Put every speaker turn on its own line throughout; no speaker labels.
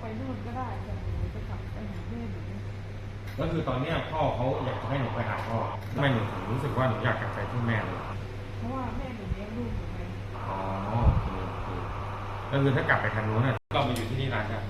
นู่นก็ได้แต่หนูจะกลับไปหาแม่หนู
ก็คือตอนเนี้ยพ่อเขาอยากจะให้หนูไปหาพ่อทำไมหนูถึงรู้สึกว่าหนูอยากกลับไปที่แม่เลย
เพราะว่าแม่หนูเลี้ยงลูกหนูไง
อ๋อโอเคโอเคก็คือถ้ากลับไปทางนู้นเนี่ยเรามาอยู่ที่นี่นานกัน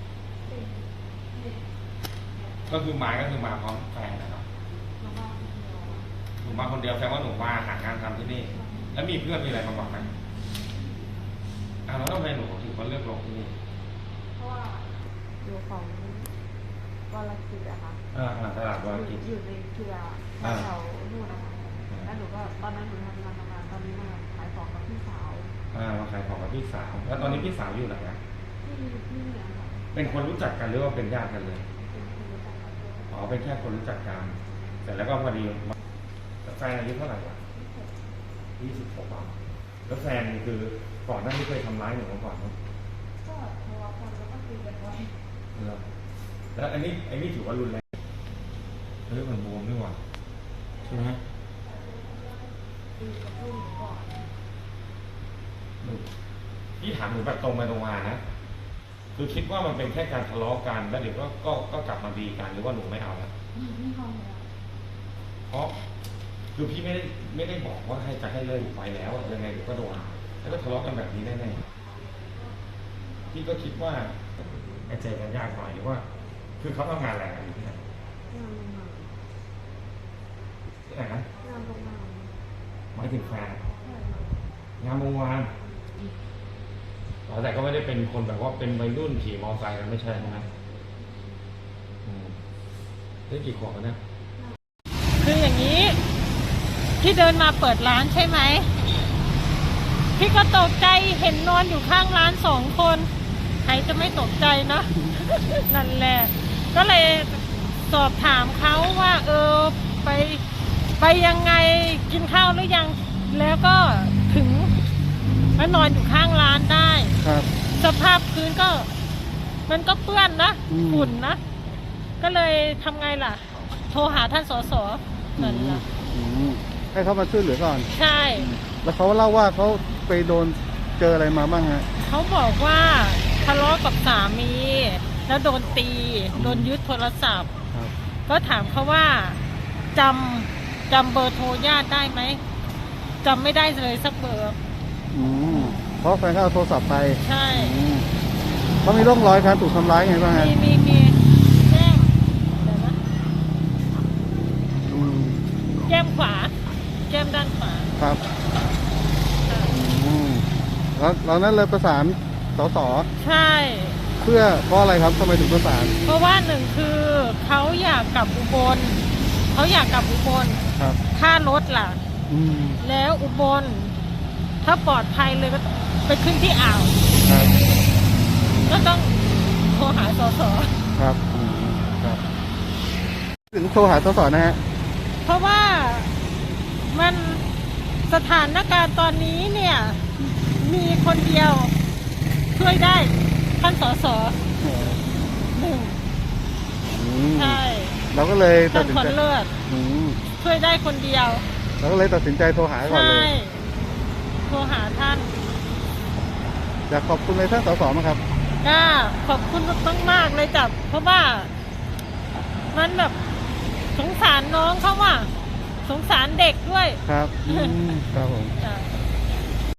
ก็คือมาพร้อมแฟนนะครับหนูมาคนเดียวแสดงว่าหนูมาหางานทำที่นี่ แล้วมีเพื่อนมีอะไรมาบอกไหมแล้วทำไมหนูถึงมาเลือกลงที่นี่
เพราะว่าอยู่ของวารกิจอะค่ะ
ตลาดวากิจ
อยู่ในเครือแถวนู่นนะคะแล้วหนูก็ตอนนั้นหนูทำงานตอนนี้มาขายของกับพี่สาว
มาขายของกับพี่สาว แล้วตอนนี้พี่สาวอยู่ไหนอะ
ที่เนี่ยค่ะ
เป็นคนรู้จักกันหรือว่าเป็นญาติกันเลย
เป็นคนรู้จักกัน
อ๋อ เป็นแค่คนรู้จักกันเสร็จแล้วก็พอดีแฟนอายุเท่าไหร่วะ26อ่ะแล้วแฟนคือก่อนหน้านี้เคยทำร้ายหนูมาก่อนไหม
ก็ทะเลาะกันแล้วก็คุยกันไว้
แล้วอันนี้ถือว่ารุนแรงเรื่องมันบวมด้วยว่ะใช่ไหม
คุยกับลูกหนูก่อน
พี่ถามหนูแบบตรงไปตรงมานะคือคิดว่ามันเป็นแค่การทะเลาะกันแล้วเดี๋ยวก็กลับมาดีกันหรือว่าหนูไม่เอาแล้ว
ไม่เข้าแล้ว
เพราะคือพี่ไม่ได้บอกว่าให้เลิกไปแล้วอะยังไงเดี๋ยวก็โดนแล้วก็ทะเลาะกันแบบนี้แน่ๆพี่ก็คิดว่าเจอกันยากหน่อยหรือว่า คือเขาทำงานอะไรกันอยู่ที่ไหน
งานโรงงาน
ที่ไหนนะ
งานโรงงาน
หมายถึงแฟน
ใช่ค่ะ
งานโรงงานแต่ก็ไม่ได้เป็นคนแบบว่าเป็นวัยรุ่นขี่มอเตอร์ไซค์กันไม่ใช่ใช่ไหมได้กี่ขวบแล้วเนี่ย
คืออย่างนี้ที่เดินมาเปิดร้านใช่ไหมพี่ก็ตกใจเห็นนอนอยู่ข้างร้าน2 คนใครจะไม่ตกใจนะ นั่นแหละก็เลยสอบถามเขาว่าไปยังไงกินข้าวหรือยังแล้วก็ถึงมานอนอยู่ข้างร้านได้
ครับ
สภาพพื้นก็มันก็เปื้อนนะฝุ่นนะก็เลยทำไงล่ะ โทรหาท่านสสนั่นล่ะ
ให้เขามาช่วยเหลือก่อน
ใช่
แล้วเขาเล่าว่าเขาไปโดนเจออะไรมาบ้างฮะ
เขาบอกว่าทะเลาะกับสามี แล้วโดนตีโดนยึดโทรศัพท์
ครับ
ก็ถามเขาว่าจำเบอร์โทรญาติได้ไหมจำไม่ได้เลยสักเบอร์
เพราะแฟนเขาเอาโทรศัพท์ไป
ใช่
เขามีร่องรอยการถูกทำร้ายไงบ้างฮะ
มีแก้มเดี๋ยวนะแก้มขวาแก้มด้านขวา
ครับแล้วนั้นเลยประสานสส
ใช่
เพื่อเพราะอะไรครับทำไมถึงประสาน
เพราะว่าหนึ่งคือเขาอยากกลับอุบล
ครับ
ค่ารถล่ะ แล้วอุบลถ้าปลอดภัยเลยก็ไปขึ้นที่อ่าว
ครับ
ก็ต้องโทรหาสส
ครับครับถึงโทรหาสสนะฮะ
เพราะว่ามันสถานการณ์ตอนนี้เนี่ยมีคนเดียวช่วยได้ท่านสสหนึ่งใช่
เราก็เลยตั
ท่า
ด
น
สิน
คน
ใจ
เลือดช่วยได้คนเดียว
เราก็เลยตัดสินใจโทรหาก่อน
ใช่
เลย
โทรหาท่าน
อยากขอบคุณเลยท่านสสมั้งครับ
ก็ขอบคุณมากๆเลยจับเพราะว่ามันแบบสงสารน้องเขาว่าสงสารเด็กด้วย
ครับครับผม
จ้ะ